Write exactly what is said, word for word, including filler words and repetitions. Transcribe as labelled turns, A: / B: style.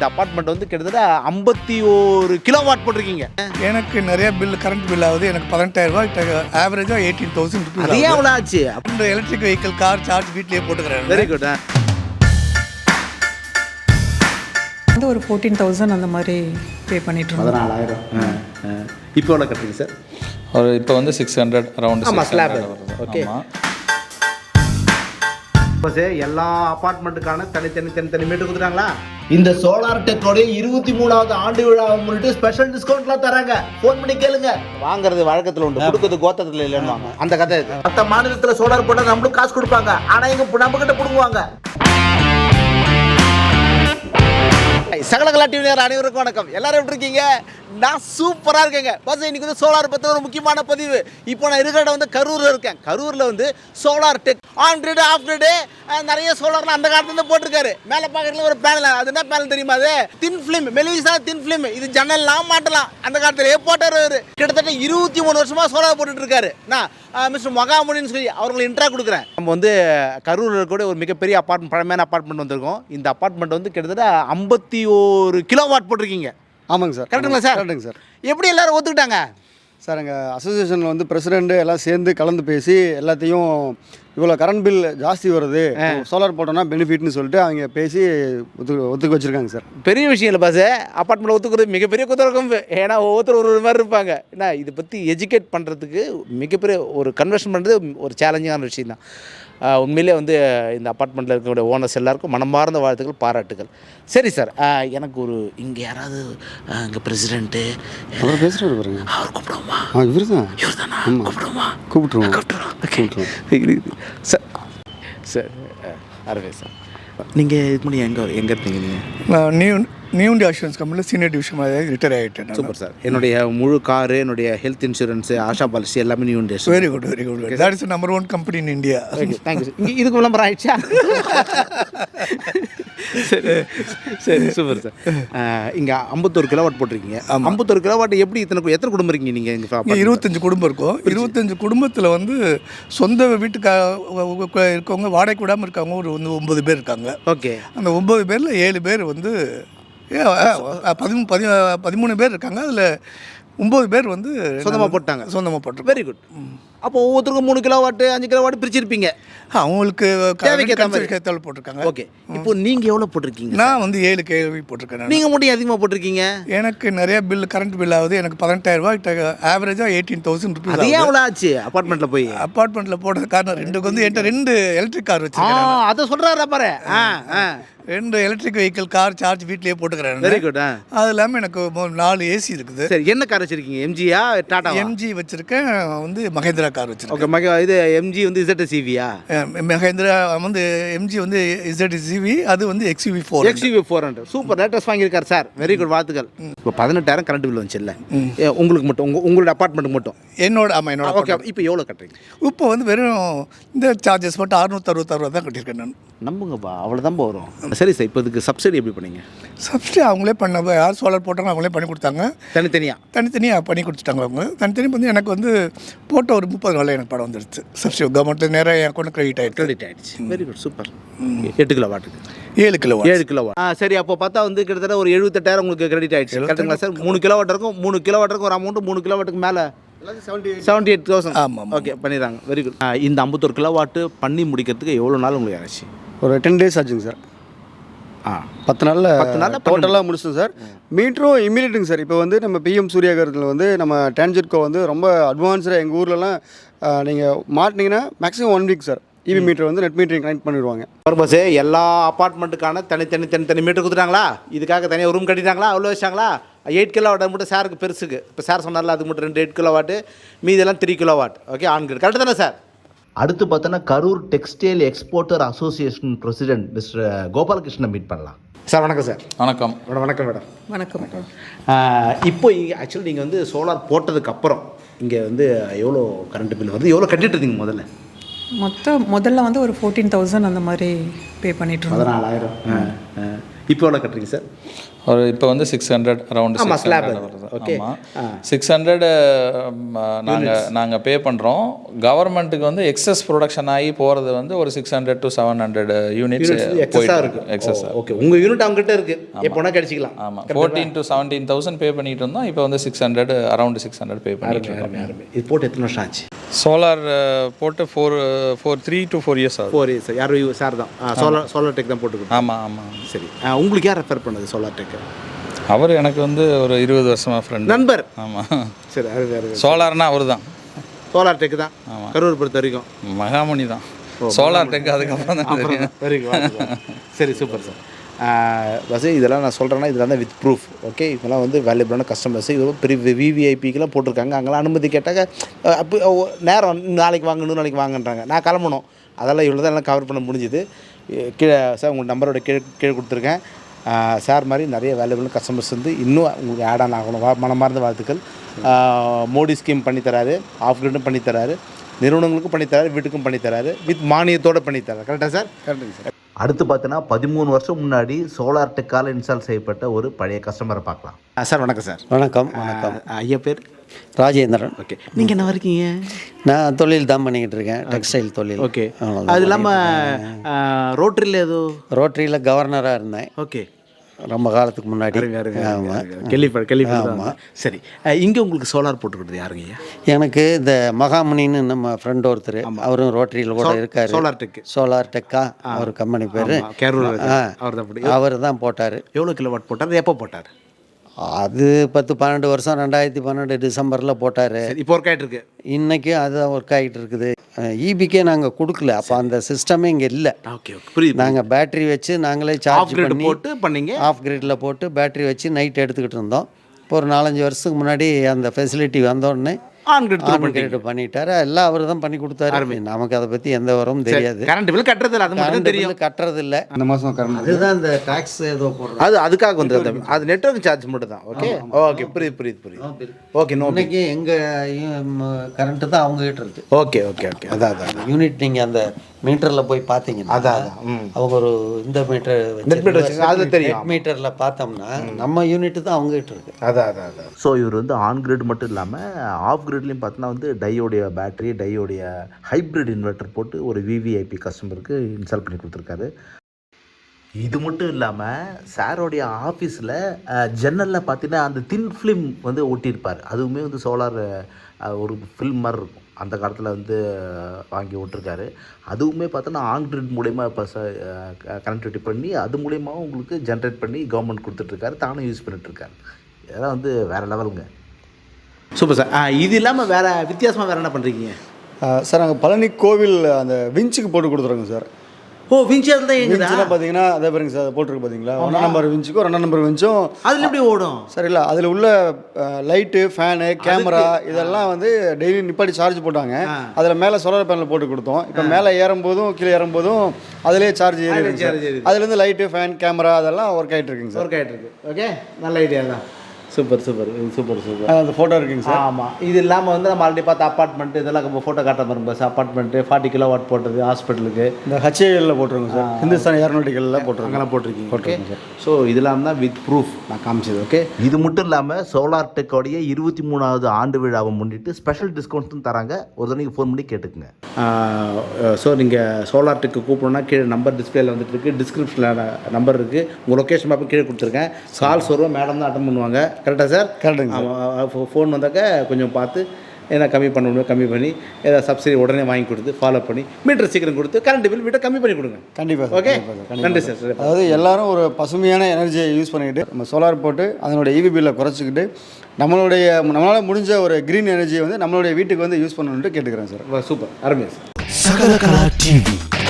A: இந்த அப்பார்ட்மெண்ட் வந்து கிட்டத்தட்ட ஐம்பத்தி ஒரு கிலோவாட் போட்டிருக்கீங்க.
B: எனக்கு நிறைய பில் கரண்ட் பில் ஆகுது. எனக்கு பதினெட்டாயிரம் ரூபாய் ஆவரேஜாக எயிட்டீன் தௌசண்ட் ருபீஸ்.
A: அதே எவ்வளோ ஆச்சு?
B: இந்த எலக்ட்ரிக் வெஹிக்கிள் கார் சார்ஜ் வீட்லேயே போட்டுக்கிறேன்.
A: Very good.
C: வந்து ஒரு ஃபோர்டீன் தௌசண்ட் அந்த மாதிரி பே பண்ணிட்டு இருக்கோம்.
A: பதினாலாயிரம். இப்போ எவ்வளோ கட்டுறீங்க சார்?
D: ஒரு இப்போ வந்து சிக்ஸ் ஹண்ட்ரட் அரௌண்ட்.
A: ஆமாம், ஸ்லாப். ஓகே. இப்போ சார் எல்லா அப்பார்ட்மெண்ட்டுக்கான தனித்தனி தனித்தனி மீட்டர் கொடுத்துட்டாங்களா? இந்த சோலார் டெக்கோடைய இருபத்தி மூணாவது ஆண்டு விழாவை முன்னிட்டு ஸ்பெஷல் டிஸ்கவுண்ட்லாம் தராங்க. ஃபோன் பண்ணி கேளுங்க. வாங்குறது வழக்கத்தில் உண்டு, கொடுக்குறது கோத்தத்தில் இல்லைன்னு வாங்க. அந்த கதை இது. மற்ற மாநிலத்தில் சோலார் போட்டால் நம்மளுக்கு காசு கொடுப்பாங்க, ஆனால் இங்கே நம்ம கிட்ட பிடுங்குவாங்க. சகலகலா டிவி நேயர் அனைவருக்கும் வணக்கம். எல்லாரும் எப்படி இருக்கீங்க? நான் சூப்பராக இருக்கேங்க. பஸ் இன்னைக்கு வந்து சோலார் பற்றி ஒரு முக்கியமான பதிவு. இப்போ நான் இருக்கிற வந்து கரூரில் இருக்கேன். கரூரில் வந்து solar tech on grid off grid நிறைய சோலார்லாம் அந்த காலத்துலேருந்து போட்டிருக்காரு. மேலே பார்க்குறதுல ஒரு பேனல், அது என்ன பேனல் தெரியுமா? அது தின் ஃபிலிம், மெலிசா தின் ஃபிலிம். இது ஜன்னல்லாம் மாட்டலாம். அந்த காலத்திலேயே போட்டார் அவர். கிட்டத்தட்ட இருபத்தி மூணு வருஷமாக சோலார் போட்டுட்டு இருக்காரு. நான் மிஸ்டர் மகாமுனின்னு சொல்லி அவங்களை இன்ட்ரா கொடுக்குறேன். நம்ம வந்து கரூரில் கூட ஒரு மிகப்பெரிய அப்பார்ட்மெண்ட், பழமையான அப்பார்ட்மெண்ட் வந்திருக்கோம். இந்த அப்பார்ட்மெண்ட் வந்து கிட்டத்தட்ட ஐம்பத்தி ஒரு கிலோ வாட் போட்டிருக்கீங்க.
E: ஆமாங்க சார்.
A: கரெக்டுங்களா சார்?
E: கரெக்டுங்க சார்.
A: எப்படி எல்லாரும் ஒத்துக்கிட்டாங்க
E: சார்? எங்கள் அசோசியேஷனில் வந்து பிரசிடெண்ட்டு எல்லாம் சேர்ந்து கலந்து பேசி எல்லாத்தையும் இவ்வளோ கரண்ட் பில் ஜாஸ்தி வருது, சோலார் போட்டோன்னா பெனிஃபிட்னு சொல்லிட்டு அவங்க பேசி ஒத்து ஒத்துக்க வச்சுருக்காங்க சார்.
A: பெரிய விஷயம் இல்லை பாஸ். அப்பார்ட்மெண்ட் ஒத்துக்கிறது மிகப்பெரிய குதிரக்கம். ஏன்னா ஒவ்வொருத்தர் ஒரு மாதிரி இருப்பாங்க. ஏன்னா இதை பற்றி எஜுகேட் பண்ணுறதுக்கு மிகப்பெரிய ஒரு கன்வர்ஷன் பண்ணுறது ஒரு சேலஞ்சிங்கான விஷயம் தான். உண்மையிலே வந்து இந்த அப்பார்ட்மெண்ட்டில் இருக்கக்கூடிய ஓனர்ஸ் எல்லாருக்கும் மனமார்ந்த வாழ்த்துக்கள், பாராட்டுகள். சரி சார், எனக்கு ஒரு இங்கே யாராவது இங்கே பிரசிடென்ட்டு
E: அவர் பேசுகிறாரு பாருங்க,
A: அவர் கூப்பிடுவோமா?
E: ஆ இவர் தான்.
A: இவர் தானா? கூப்பிடுவோமா?
E: கூப்பிட்டுருவோம்
A: கூப்பிட்டுருவோம் சார். சார் அரவே சார், நீங்கள் இது பண்ணி எங்கே எங்கே இருந்தீங்க? நீங்கள்
B: நியூ நியூ இண்டியா அஷூரன்ஸ் கம்பெனியில் சீனியர் டிவிஷன் மாதிரி ரிட்டையர் ஆகிட்டேன்.
A: Super sir. என்னுடைய முழு காரு, என்னுடைய ஹெல்த் இன்சூரன்ஸு, ஆஷா பாலிசி எல்லாமே new India.
B: Very good, very good. That is number one company in India.
A: Thank you. இங்கே இதுக்கு விளம்பரம் ஆயிடுச்சா? சரி சரி, சூப்பர் சார். இங்கே ஐம்பத்தொரு கிலோவாட் போட்டிருக்கீங்க. ஐம்பத்தொரு கிலோவாட் எப்படி இத்தனை எத்தனை குடும்பம் இருக்கீங்க நீங்கள்?
B: இங்கே இருபத்தஞ்சு குடும்பம் இருக்கும். இருபத்தஞ்சு குடும்பத்தில் வந்து சொந்த வீட்டுக்கு இருக்கவங்க, வாடகை விடாமல் இருக்கவங்க ஒரு வந்து ஒம்பது பேர் இருக்காங்க.
A: ஓகே.
B: அந்த ஒம்பது பேரில் ஏழு பேர் வந்து பதிமூணு பதி பதிமூணு பேர் இருக்காங்க. அதில் ஒம்பது பேர் வந்து
A: சொந்தமாக போட்டாங்க.
B: சொந்தமாக போட்டு.
A: Very good. அப்போ ஒவ்வொருத்தருக்கும் மூணு கிலோ வாட்டு அஞ்சு கிலோ வாட்டு பிரிச்சிருப்பீங்க.
B: அவங்களுக்கு
A: தேவைக்கேற்ற
B: போட்டிருக்காங்க.
A: ஓகே. இப்போ நீங்கள் எவ்வளோ போட்டிருக்கீங்க?
B: நான் வந்து ஏழு கேள்வி போட்டிருக்கேன்.
A: நீங்கள் மட்டும் அதிகமாக போட்டிருக்கீங்க.
B: எனக்கு நிறைய பில் கரண்ட் பில் ஆகுது. எனக்கு பதினெட்டாயிரம் ரூபாய் ஆவரேஜாக எயிட்டீன் தௌசண்ட் ருபீஸ்.
A: அதே எவ்வளோ ஆச்சு அப்பார்ட்மெண்ட்டில் போய்?
B: அப்பார்ட்மெண்ட்டில் போடுறது காரணம் ரெண்டுக்கு வந்து என்கிட்ட ரெண்டு எலக்ட்ரிக் கார் வச்சுருக்கேன்.
A: அதை சொல்கிறாரா பாரு. ஆ ஆ
B: ரெண்டு எலக்ட்ரிக் வெஹிக்கிள் கார் சார்ஜ் வீட்லேயே போட்டுக்கிறேன்.
A: Very good.
B: அது இல்லாமல் எனக்கு நாலு ஏசி இருக்குது.
A: சரி, என்ன கார் வச்சுருக்கீங்க? எம்ஜியா டாடா?
B: எம்ஜி வச்சுருக்கேன். வந்து மகேந்திரா கார் வச்சுருக்கேன்.
A: ஓகே. மகே இது எம்ஜி வந்து இசட் சிவியா?
B: மகேந்திரா வந்து எம்ஜி வந்து இசட் சிவி, அது வந்து XUV four
A: XUV four hundred. Super, latest வாங்கியிருக்காரு சார். வெரி குட், வாழ்த்துக்கள். இப்போ பதினெட்டாயிரம் கரண்ட் பில் வந்துச்சு இல்லை உங்களுக்கு மட்டும்? உங்கள் உங்களோட அப்பார்ட்மெண்ட்டுக்கு மட்டும்?
B: என்னோட. ஆமாம், என்னோட.
A: ஓகே. இப்போ எவ்வளோ கட்டுறீங்க?
B: இப்போ வந்து வெறும் இந்த சார்ஜஸ் மட்டும் அறுநூற்றி அறுபத்தாறு தான் கட்டியிருக்கேன் நான்.
A: நம்புங்கப்பா, அவ்வளோதான் வரும். சரி சார், இப்போ இதுக்கு சப்சிடி எப்படி பண்ணீங்க?
B: சப்சிடி அவங்களே பண்ண, யார் சோலார் போட்டாங்க அவங்களே பண்ணி கொடுத்தாங்க.
A: தனித்தனியாக
B: தனித்தனியாக பண்ணி கொடுத்துட்டாங்க அவங்க. தனித்தனியாக வந்து எனக்கு வந்து போட்ட ஒரு முப்பது நாளில் எனக்கு படம் வந்துடுச்சு. சப்சிடி கவர்மெண்ட்டில் நேராக என் அக்கௌண்ட் கிரெடிட் ஆகிடுச்சு.
A: கிரெடிட் ஆகிடுச்சு. Very good, super. எட்டு கிலோ வாட்டுக்கு
B: ஏழு கிலோ
A: ஏழு கிலோ வாட். ஆ சரி, அப்போ பார்த்தா வந்து கிட்டத்தட்ட ஒரு எழுபத்தெட்டாயிரம் உங்களுக்கு கிரெடிட் ஆகிடுச்சு. கரெக்டுங்களா சார்? மூணு கிலோ வாட் இருக்கும். மூணு கிலோ வாட்டுக்கு ஒரு அமௌண்ட்டு, மூணு கிலோ வாட்டுக்கு மேலே செவன்ட்டி எயிட் தௌசண்ட்.
B: ஆமாம்.
A: ஓகே, பண்ணிடுறாங்க. Very good. இந்த ஐம்பத்தொரு கிலோ வாட்டு பண்ணி முடிக்கிறதுக்கு எவ்வளோ நாள் உங்களுக்கு ஆச்சு?
E: ஒரு டென் டேஸ் ஆச்சுங்க சார். ஆ பத்து நாளில் பத்து நாளில் டோட்டலாக முடிச்சிட்டோம் சார். மீட்டரும் இம்மீடியட்டுங்க சார். இப்போ வந்து நம்ம பிஎம் சூர்யாகரத்தில் வந்து நம்ம டான்ஜெட்கோ வந்து ரொம்ப அட்வான்ஸ்டாக எங்கள் ஊர்லலாம் நீங்கள் மாட்டினீங்கன்னா maximum one week sir EB meter வந்து நெட் மீட்டரிங் கனெக்ட் பண்ணிடுவாங்க. பர்பஸ்
A: எல்லா அப்பார்ட்மெண்ட்டுக்கான தனித்தனி தனித்தனி மீட்டர் கொடுத்துட்டாங்களா? இதுக்காக தனியாக ரூம் கட்டிட்டாங்களா? அவ்வளோ வச்சாங்களா? எயிட் கிலோ வாட் மட்டும் சாருக்கு பெருசுக்கு. இப்போ சார் சொன்னார்ல, அதுக்கு மட்டும் ரெண்டு எயிட் கிலோ வாட்டு, மீதெல்லாம் three kilo watt. Okay, on grid. Correct தானே சார்? அடுத்து பார்த்தோன்னா Karur textile exporter association president mister Gopalakrishnan meet பண்ணலாம். சார் வணக்கம் சார்.
D: வணக்கம்.
A: வணக்கம் மேடம்.
C: வணக்கம்.
A: இப்போ ஆக்சுவலி நீங்கள் வந்து சோலார் போட்டதுக்கப்புறம் இங்கே வந்து எவ்வளோ கரண்ட் பில் வருது, எவ்வளோ கட்டிட்டு இருந்தீங்க முதல்ல?
C: மொத்தம் முதல்ல வந்து ஒரு ஃபோர்டீன் தௌசண்ட் அந்த மாதிரி பே பண்ணிட்டு இருந்தோம்.
A: பதினாலாயிரம். இப்போ எவ்வளோ கட்டுறீங்க சார்?
D: ஒரு இப்போ வந்து சிக்ஸ் ஹண்ட்ரட் அரௌண்ட்
A: ஆமா,
D: சிக்ஸ்
A: slab
D: ஹண்ட்ரட்
A: அது.
D: வருது.
A: Okay.
D: ஆமாம் சிக்ஸ் ஹண்ட்ரட் நாங்கள் நாங்கள் பே பண்ணுறோம். கவர்மெண்ட்டுக்கு வந்து எக்ஸஸ் ப்ரொடக்ஷன் ஆகி போகிறது வந்து ஒரு six hundred to seven hundred units
A: எக்ஸஸாக இருக்கு
D: எக்ஸஸ்.
A: ஓகே, உங்கள் யூனிட் அவங்ககிட்ட இருக்கு, எப்போனா கிடைச்சிக்கலாம்.
D: ஆமாம் fourteen to seventeen thousand pay பண்ணிட்டு இருந்தோம். இப்போ வந்து six hundred around six hundred pay பண்ணிட்டு இருக்கோம்.
A: இது போட்டு எத்தனை வருஷம் ஆச்சு?
D: சோலார் போட்டு four four three to four years ஆகுது.
A: Four years. யார் சார் தான் சோலார் சோலார் டெக் தான் போட்டுக்கிட்டு.
D: ஆமாம் ஆமாம்.
A: சரி, ஆ, உங்களுக்கு யார் ரெஃபர் பண்ணது சோலார் டெக்?
D: அவர் எனக்கு வந்து ஒரு இருபது வருஷமாக ஃப்ரெண்ட்.
A: நண்பர்.
D: ஆமாம்.
A: சரி, அது வேறு.
D: சோலார்னா அவர் தான்.
A: சோலார் டெக் தான். ஆமாம், கரூர் பொறுத்த வரைக்கும்
D: மகாமணி தான். சோலார் டெக் அதுக்கப்புறம் தான் தெரியும்.
A: Very good. சரி, சூப்பர் சார். பஸ் இதெல்லாம் நான் சொல்கிறேன்னா இதெல்லாம் தான் வித் ப்ரூஃப். ஓகே, இதெல்லாம் வந்து வேல்யூபிளான கஸ்டமர்ஸ். இது பெரிய விவிஐபிக்கெலாம் போட்டிருக்காங்க. அங்கெல்லாம் அனுமதி கேட்டாங்க, அப்போ நேரம் நாளைக்கு வாங்க இன்னும் நாளைக்கு வாங்கன்றாங்க. நான் கிளம்பணும். அதெல்லாம் இவ்வளோ தான் எல்லாம் கவர் பண்ண முடிஞ்சுது. கீழே சார் உங்கள் நம்பரோட கீழே கீழே கொடுத்துருக்கேன். சார் மாதிரி நிறைய வேல்யூபிளான கஸ்டமர்ஸ் வந்து இன்னும் உங்களுக்கு ஆட் ஆன் ஆகணும். வா மனமார்ந்த வாழ்த்துக்கள். மோடி ஸ்கீம் பண்ணித்தராரு, ஆஃப் கிரிட்டும் பண்ணித்தராரு, நிறுவனங்களுக்கும் பண்ணித்தராரு, வீட்டுக்கும் பண்ணித்தராரு, வித் மானியத்தோடு பண்ணித்தராரு. கரெக்டாக சார்? கரெக்டுங்க சார். அடுத்து பார்த்தீங்கன்னா பதிமூணு வருஷம் முன்னாடி சோலார் டெக்கால் இன்ஸ்டால் செய்யப்பட்ட ஒரு பழைய கஸ்டமரை பார்க்கலாம். சார் வணக்கம் சார்.
F: வணக்கம். வணக்கம்.
A: ஐயா பேர்
F: ராஜேந்திரன்.
A: ஓகே, நீங்கள் என்ன இருக்கீங்க?
F: நான் தொழில் தான் பண்ணிக்கிட்டு இருக்கேன், டெக்ஸ்டைல் தொழில்.
A: ஓகே, அது இல்லாமல் ரோட்டரியில் ஏதோ
F: ரோட்டரியில் கவர்னராக இருந்தேன்.
A: ஓகே,
F: ரொம்ப காலத்துக்கு முன்னாடி.
A: ஆமாம், கேள்விப்பட கேள்விப்பட. சரி, இங்கே உங்களுக்கு சோலார் போட்டுக்கிட்டது யாருங்க?
F: எனக்கு இந்த மகாமணின்னு நம்ம ஃப்ரெண்ட் ஒருத்தர், அவரும் ரோட்டரியில் கூட இருக்காரு.
A: Solar tech.
F: சோலார் டெக்கா அவர் கம்பெனி பேர். அவர் தான் போட்டார்.
A: எவ்வளோ கிலோ வாட் போட்டார், எப்போ போட்டார்?
F: அது பத்து பன்னெண்டு வருஷம் ரெண்டாயிரத்தி பன்னெண்டு டிசம்பரில் போட்டார்.
A: இப்போ ஒர்க் ஆகிட்டு இருக்கு.
F: இன்றைக்கும் அதுதான் ஒர்க் ஆகிட்டு இருக்குது. ஈபிக்கே நாங்கள் கொடுக்கல, அப்போ அந்த சிஸ்டமே இங்கே இல்லை.
A: ஓகே, ஓகே, புரியுது.
F: நாங்கள் பேட்ரி வச்சு நாங்களே சார்ஜ் பண்ணி
A: போட்டு பண்ணீங்க.
F: ஆஃப் கிரிட்டில் போட்டு பேட்ரி வச்சு நைட் எடுத்துக்கிட்டு இருந்தோம். இப்போ ஒரு நாலஞ்சு வருஷத்துக்கு முன்னாடி அந்த ஃபெசிலிட்டி வந்தோடனே
A: ஆன் கிரிட்
F: பண்ணிட்டாரு. எல்லாம் அவர் தான் பண்ணி கொடுத்தாரு. நமக்கு அதை பற்றி எந்த வரவும் தெரியாது.
A: கரண்ட் பில் கட்டுறது இல்லை, அது மட்டும் தெரியும்.
F: கட்டுறது இல்லை.
E: அந்த மாதம் கரண்ட்
F: அதுதான் இந்த டாக்ஸ் ஏதோ போடுறது,
A: அது அதுக்காக வந்து அது நெட்வொர்க் சார்ஜ் மட்டும் தான். ஓகே, ஓகே, புரியுது புரியுது புரியுது. ஓகே, நோ
F: இன்னைக்கு எங்கள் கரண்ட்டு தான் அவங்க கிட்ட இருக்கு.
A: Okay, okay, okay. அதான் அதான்
F: யூனிட் நீங்கள் அந்த மீட்டரில் போய் பார்த்தீங்கன்னா
A: அதான் அதான்
F: அவங்க ஒரு இந்த மீட்டர்
A: நெட் மீட்டர் வச்சுருக்காங்க, அது தெரியும்.
F: மீட்டரில் பார்த்தோம்னா நம்ம யூனிட் தான் அவங்க கிட்ட இருக்கு.
A: அதான் அதான் அதான்.
G: ஸோ இவர் வந்து ஆன் கிரிட் மட்டும் இல்லாமல் ஆஃப் கிரிட்லேயும் பார்த்தோன்னா வந்து டையோடைய பேட்டரி, டையோடைய ஹைப்ரிட் இன்வெர்ட்டர் போட்டு ஒரு விவிஐபி கஸ்டமருக்கு இன்ஸ்டால் பண்ணி கொடுத்துருக்காரு. இது மட்டும் இல்லாமல் சாரோடைய ஆஃபீஸில் ஜன்னலில் பார்த்தீங்கன்னா அந்த தின் ஃபிலிம் வந்து ஒட்டியிருப்பார். அதுவுமே வந்து சோலார் ஒரு ஃபில்ம் மாதிரி இருக்கும். அந்த காலத்தில் வந்து வாங்கி விட்டுருக்காரு. அதுவுமே பார்த்தோன்னா ஆன் கிரிட் மூலயமா இப்போ கனெக்டிவிட்டி பண்ணி அது மூலயமாவும் உங்களுக்கு ஜென்ரேட் பண்ணி கவர்மெண்ட் கொடுத்துட்ருக்காரு, தானும் யூஸ் பண்ணிட்டுருக்காரு. இதெல்லாம் வந்து வேறு லெவலுங்க.
A: Super sir. இது இல்லாமல் வேறு வித்தியாசமாக வேறு என்ன பண்ணுறீங்க?
E: சார் நாங்கள் பழனி கோவில் அந்த விஞ்சுக்கு போட்டு கொடுத்துருங்க சார்.
A: ஓ, விஞ்ச் அதில் தான் எங்க
E: விஞ்சுலாம் பார்த்தீங்கன்னா அதே பாருங்க சார், போட்டிருக்கு பார்த்தீங்களா, ஒன்றாம் நம்பர் விஞ்சுக்கும் ரெண்டாம் நம்பர் விஞ்சும்
A: அதில் எப்படி ஓடும்?
E: சார் இல்லை, அதில் உள்ள லைட்டு, ஃபேனு, கேமரா இதெல்லாம் வந்து டெய்லி நிப்பாட்டி சார்ஜ் போட்டாங்க. அதில் மேலே சோலார் பேனல் போட்டு கொடுத்தோம். இப்போ மேலே ஏறும்போதும் கீழே ஏறும்போதும் அதிலே சார்ஜ் ஏறி அதுலேருந்து லைட்டு, ஃபேன், கேமரா அதெல்லாம் ஒர்க் ஆகிட்டு இருக்குங்க சார்.
A: ஒர்க் ஆகிட்டு இருக்கு. ஓகே, நல்ல ஐடியா தான். Super super super super.
E: அந்த ஃபோட்டோ இருக்குங்க சார்.
A: ஆமாம், இது இல்லாமல் வந்து நம்ம ஆல்ரெடி பார்த்த அப்பார்ட்மெண்ட் இதெல்லாம் நம்ம ஃபோட்டோ காட்ட மாதிரி பஸ் அப்பார்ட்மெண்ட்டு ஃபார்ட்டி கிலோ வாட் போட்டது ஹாஸ்பிட்டலுக்கு
E: இந்த ஹச்ஏஎல்ல போட்டிருக்கோங்க சார். ஹிந்துஸ்தான் ஏரோநாட்டிக்கலில் போட்டிருக்கோம்.
A: அங்கெல்லாம் போட்டிருக்கீங்க. போட்டிருக்கீங்க சார். ஸோ இதெல்லாம் தான் வித் ப்ரூஃப் நான் காமிச்சது. ஓகே,
G: இது மட்டும் இல்லாமல் சோலார் டெக்கோடைய இருபத்தி மூணாவது ஆண்டு விழாவை முன்னிட்டு ஸ்பெஷல் டிஸ்கவுண்ட்டும் தராங்க. ஒரு தடவைக்கு ஃபோன் பண்ணி கேட்டுக்குங்க.
A: ஸோ நீங்கள் சோலார் டெக்கு கூப்பிடணுன்னா கீழே நம்பர் டிஸ்பிளேல வந்துட்டு இருக்குது, டிஸ்கிரிப்ஷனில் நம்பர் இருக்குது, உங்கள் லொக்கேஷன் மேப்பை கீழே கொடுத்துருக்கேன். கால்ஸ் வருவோம், மேடம் தான் அட்டன் பண்ணுவாங்க. கரெக்டாக சார்? கரெக்டுங்க. ஃபோன் வந்தாக்க கொஞ்சம் பார்த்து ஏன்னா கம்மி பண்ண முடியும், கம்மி பண்ணி ஏதாவது சப்சிடி உடனே வாங்கி கொடுத்து ஃபாலோ பண்ணி மீட்டர் சீக்கிரம் கொடுத்து கரண்ட் பில் வீட்டை கம்மி பண்ணி கொடுங்க.
E: கண்டிப்பாக.
A: ஓகே, நன்றி சார்.
E: அதாவது எல்லாரும் ஒரு பசுமையான எனர்ஜியை யூஸ் பண்ணிக்கிட்டு நம்ம சோலார் போட்டு அதனுடைய ஈவி பில்லை குறைச்சிக்கிட்டு நம்மளுடைய நம்மளால் முடிஞ்ச ஒரு க்ரீன் எனர்ஜியை வந்து நம்மளுடைய வீட்டுக்கு வந்து யூஸ் பண்ணணுன்ட்டு கேட்டுக்கிறேன் சார்.
A: சூப்பர், அருமையா சார்.
H: சகலகலா டிவி.